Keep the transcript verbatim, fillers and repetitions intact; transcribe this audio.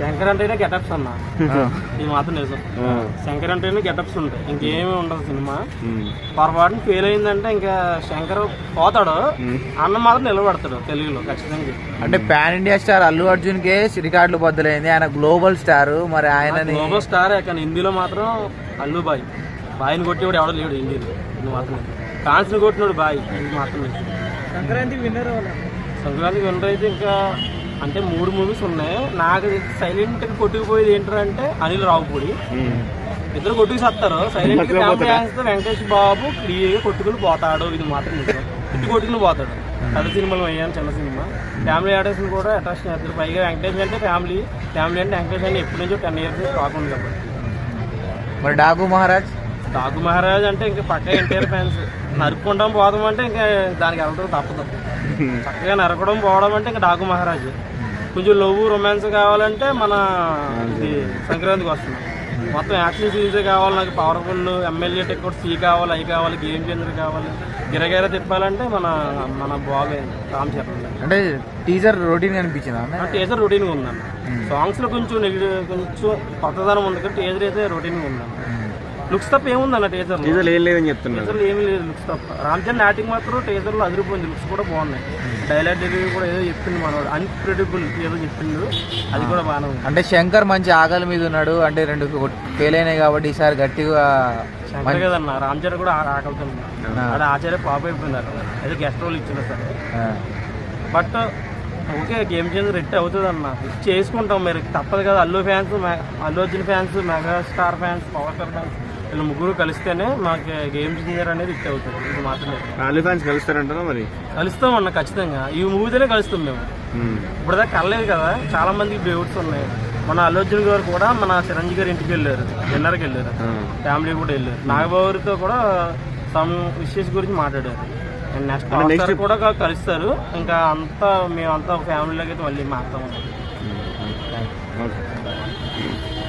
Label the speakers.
Speaker 1: శంకర్ అంటేనే గెటప్స్ అన్న, ఇది మాత్రం నిజం. శంకర్ అంటేనే గెటప్స్ ఉంటాయి, ఇంకేమీ ఉండదు సినిమా. పొరపాటున ఫెయిల్ అయిందంటే ఇంకా శంకర్ పోతాడు, అన్న మాత్రం నిలబడతాడు తెలుగులో ఖచ్చితంగా.
Speaker 2: అంటే pan India star Allu Arjun కే రికార్డులు బద్దలైంది, ఆయన గ్లోబల్ స్టార్, మరి ఆయన
Speaker 1: గ్లోబల్ స్టార్. కానీ హిందీలో మాత్రం అల్లు బాయ్, బాయ్ని కొట్టేవాడు ఎవడో లేడు హిందీలో, ఇది మాత్రం. ఫ్యాన్స్ ని కొట్టినాడు బాయ్, ఇది మాత్రం.
Speaker 3: సంక్రాంతి విన్నర్
Speaker 1: సంక్రాంతి విన్నర్ అయితే ఇంకా అంటే మూడు మూవీస్ ఉన్నాయి. నాకు సైలెంట్ గా కొట్టుకుపోయేది ఏంటంటే అనిల్ రావుపూడి, ఇద్దరు కొట్టుకు సత్తారు సైలెంట్ గా. ఫ్యామిలీ వెంకటేష్ బాబు క్లియర్ గా కొట్టుకుని పోతాడు, ఇది మాత్రం నిజం. ఇటు కొట్టుకుని పోతాడు. పెద్ద సినిమాలు అయ్యాను, చిన్న సినిమా. ఫ్యామిలీ ఆర్టిస్ట్ కూడా అట్రాక్షన్ చేస్తారు. పైగా వెంకటేష్ అంటే ఫ్యామిలీ, ఫ్యామిలీ అంటే వెంకటేష్ అంటే ఎప్పటి నుంచో టెన్ ఇయర్స్ కాకుండా కాబట్టి.
Speaker 2: మరి డాకు మహారాజ్
Speaker 1: డాకు మహారాజ్ అంటే ఇంకా పక్క ఎన్టీఆర్ ఫ్యాన్స్. నరుక్కుంటాం పోదాం అంటే ఇంకా దానికి వెళ్ళడం తప్పదు. చక్కగా నరకడం పోవడం అంటే ఇంకా డాకు మహారాజ్. కొంచెం లవ్ రొమాన్స్ కావాలంటే మన ఇది సంక్రాంతికి వస్తున్నాం. మొత్తం యాక్షన్ సీరీసే కావాలి నాకు. పవర్ఫుల్ ఎమ్మెల్యే టికెట్ సీ కావాలి, అవి కావాలి, గేమ్ చేంజర్ కావాలి, గిరగిర తిప్పాలంటే మన మన బాగా రామ్ చరణ్.
Speaker 2: అంటే టీజర్ రొటీన్ అనిపించింది.
Speaker 1: టీజర్ రొటీన్ గా ఉందన్న. సాంగ్స్ లో కొంచెం నెగిటివ్, కొంచెం కొత్తదనం ఉంది కానీ టీజర్ అయితే రొటీన్ గా ఉందన్న. లుక్స్ తప్ప ఏముందన్న టీజర్
Speaker 4: టీజర్ ఏం లేదని చెప్తున్నారు.
Speaker 1: టీజర్ ఏమీ లేదు లుక్స్ తప్ప. రామ్ చరణ్ యాక్టింగ్ మాత్రం టీజర్ లో అదిరిపోయింది, లుక్స్ కూడా బాగున్నాయి. డైలాగ్ డెలివరీ కూడా ఏదో చెప్పింది మనవాడు, అన్ప్రెడిబుల్ ఏదో చెప్పిండు, అది కూడా బాగానే ఉంది.
Speaker 2: అంటే శంకర్ మంచి ఆకలి మీద ఉన్నాడు, అంటే రెండు ఫెయిల్ అయినాయి కాబట్టి ఈసారి గట్టిగా
Speaker 1: శంకర్ కదన్న. రామ్ చరణ్ కూడా ఆకలుతుంది, అది ఆచార్య పాప అయిపోయింది, ఏదో గెస్ట్ రోల్ ఇచ్చింది sir. But okay, game changer అవుతుంది అన్న, చేసుకుంటాం. మీరు తప్పదు కదా. Allu fans, Allu Arjun fans, megastar fans, power star fans వీళ్ళు ముగ్గురు కలిస్తేనే మాకు గేమ్ చేంజర్ అనేది హిట్ అవుతుంది. ఇది మాత్రమే.
Speaker 4: అల్లు ఫ్యాన్స్ కలుస్తారంటారా? మరి
Speaker 1: కలుస్తాం అన్న ఖచ్చితంగా. ఈ మూవీతోనే కలుస్తాం మేము. ఇప్పుడు దాకా కలలేదు కదా, చాలా మందికి డౌట్స్ ఉన్నాయి. మన అల్లు అర్జున్ గారు కూడా మన చిరంజీవి గారి ఇంటికి వెళ్ళారు, డిన్నర్కి వెళ్ళారు, ఫ్యామిలీ కూడా వెళ్ళారు. నాగబాబుతో కూడా సమ్ ఇష్యూస్ గురించి మాట్లాడారు. నెక్స్ట్ కూడా కలుస్తారు. ఇంకా అంతా మేమంతా ఫ్యామిలీలోకి అయితే మళ్ళీ మారుతాం.